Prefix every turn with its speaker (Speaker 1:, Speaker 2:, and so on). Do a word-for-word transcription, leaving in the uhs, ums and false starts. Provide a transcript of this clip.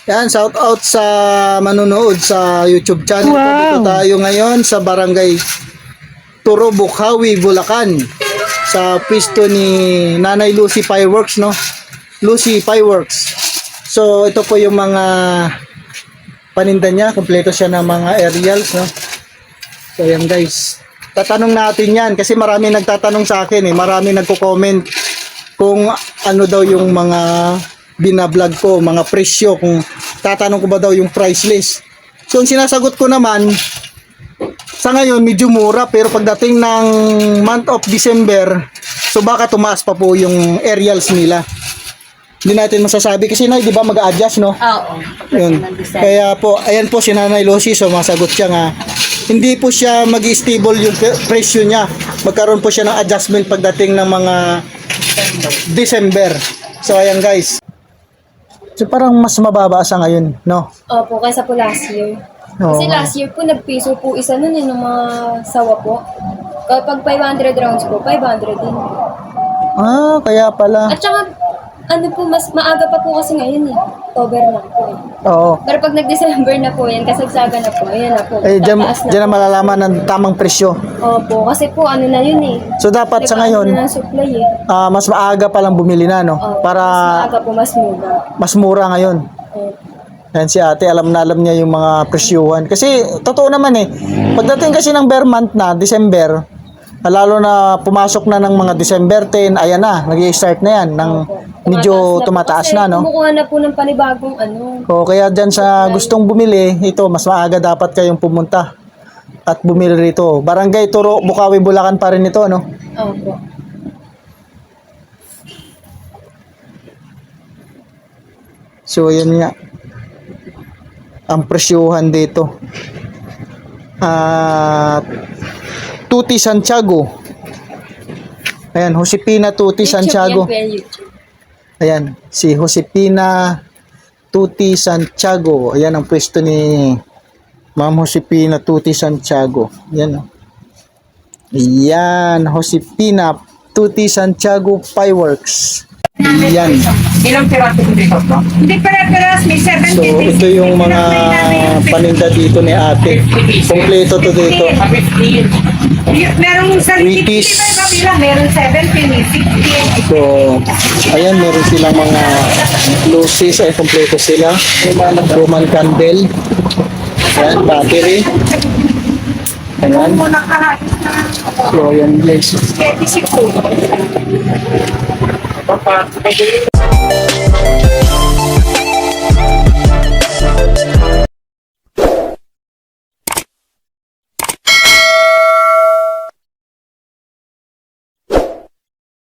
Speaker 1: Yan, shout out sa manonood sa YouTube channel ko.
Speaker 2: Wow.
Speaker 1: Dito tayo ngayon sa Barangay Turo, Bukawi, Bulacan. Sa pwesto ni Nanay Lucy Fireworks, no? Lucy Fireworks. So, ito po yung mga paninda niya. Kompleto siya ng mga aerials, no? So, yan guys. Tatanong natin yan kasi marami nagtatanong sa akin eh. Marami nagko-comment kung ano daw yung mga binablog ko, mga presyo, kung tatanong ko ba daw yung price list. So, ang sinasagot ko naman, sa ngayon, medyo mura, pero pagdating ng month of December, so baka tumaas pa po yung aerials nila. Hindi natin masasabi kasi na, di ba, mag-a-adjust, no?
Speaker 3: Oo.
Speaker 1: Yun. Kaya po, ayan po si Nanay Lucy, so masagot siya nga, hindi po siya mag-stable yung presyo niya. Magkaroon po siya ng adjustment pagdating ng mga December. So, ayan guys. So, parang mas mababa sa ngayon, no?
Speaker 3: Opo, kaysa po last year.
Speaker 1: Oo.
Speaker 3: Kasi last year po, nagpiso po isa nun eh, ng mga sawa po. Kapag five hundred rounds po, five hundred din.
Speaker 1: Ah, kaya pala.
Speaker 3: At saka, ano po, mas maaga pa po kasi ngayon eh. October na po eh.
Speaker 1: Oo.
Speaker 3: Pero pag nag-December na po yan, kasagsaga na po, ayan na po.
Speaker 1: Eh, dyan,
Speaker 3: tataas na
Speaker 1: dyan na
Speaker 3: po.
Speaker 1: malalaman ng tamang presyo.
Speaker 3: Opo, kasi po ano na yun eh.
Speaker 1: So, dapat sa ngayon,
Speaker 3: Nag-ano na ng supply eh.
Speaker 1: ah, mas maaga pa lang bumili na, no?
Speaker 3: Opo,
Speaker 1: Para
Speaker 3: mas maaga po, mas mura.
Speaker 1: mas mura ngayon.
Speaker 3: Opo.
Speaker 1: Yan si ate, alam na alam niya yung mga presyuhan. Kasi, totoo naman eh, pagdating kasi ng bare month na, December, lalo na pumasok na ng mga December ten, ayan na, nag-i-start na yan, ng medyo tumataas na, no?
Speaker 3: Kumukuha na po ng panibagong ano.
Speaker 1: O, kaya dyan sa gustong bumili, ito, mas maaga dapat kayong pumunta at bumili rito. Barangay Turo, Bukawi, Bulacan pa rin ito, no?
Speaker 3: Opo.
Speaker 1: So, yan nga. Ang presyuhan dito. At Tuti Santiago. Ayan, Josepina Tuti Santiago.
Speaker 3: YouTube yan po, YouTube.
Speaker 1: Ayan, si Josepina Tuti Santiago. Ayan ang pwesto ni Ma'am Josepina Tuti Santiago. Ayan. Ayan, Josepina Tuti Santiago Fireworks. Ayan.
Speaker 4: Ilang piraso ko dito po? Hindi pera-peras, may
Speaker 1: So,
Speaker 4: seventy.
Speaker 1: ito yung mga paninda dito ni ate. Kompleto to dito.
Speaker 4: fifteen. Merong sa
Speaker 1: Wheaties.
Speaker 4: fifty pa meron seventy, may sixty.
Speaker 1: So, ayan, meron silang mga lucis, ay kompleto sila. Roman candle. Ayan, battery. Ayan.
Speaker 4: Muna kahit na
Speaker 1: So, ayan guys.
Speaker 4: thirty-six po. Papa,